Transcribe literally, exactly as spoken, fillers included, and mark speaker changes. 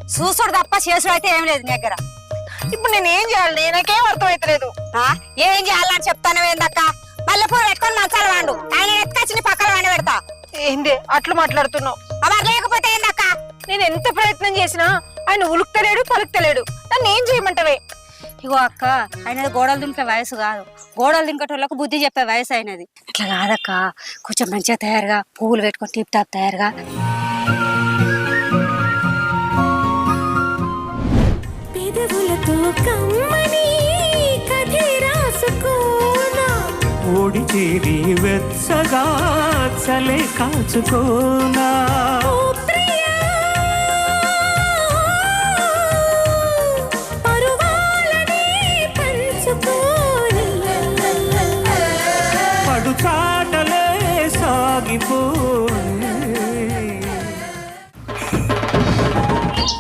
Speaker 1: చూసుడు తప్ప చేసుడు అయితే ఏం లేదు నీ దగ్గర.
Speaker 2: ఇప్పుడు నేను ఏం చేయాలి? నాకేం అర్థం అవుతలేదు.
Speaker 1: ఏం చేయాలని చెప్తాను ఏందక్క? మల్లెపూలు పెట్టుకొని మంచాలు వాడు, ఆయన ఎత్తుకొచ్చి నీ పక్కన వండి పెడతా.
Speaker 2: ఏంది అట్లా మాట్లాడుతున్నావు?
Speaker 1: అలా లేకపోతే ఏందక్క?
Speaker 2: నేను ఎంత ప్రయత్నం చేసినా ఆయన ఉలుకుతలేడు పలుకుతలేడు. నన్ను ఏం చేయమంటావే?
Speaker 1: ఇగో అక్క, ఆయనది గోడలు దింకే వయసు కాదు, గోడలు దింకేటోళ్ళకు బుద్ధి చెప్పే వయసు అయినది. అట్లా కాదక్క, కొంచెం మంచిగా తయారుగా, పువ్వులు పెట్టుకొని టిప్ టాప్ తయారుగా.
Speaker 3: ఓడి చేరి వెచ్చగా చలే కాచుకోనా.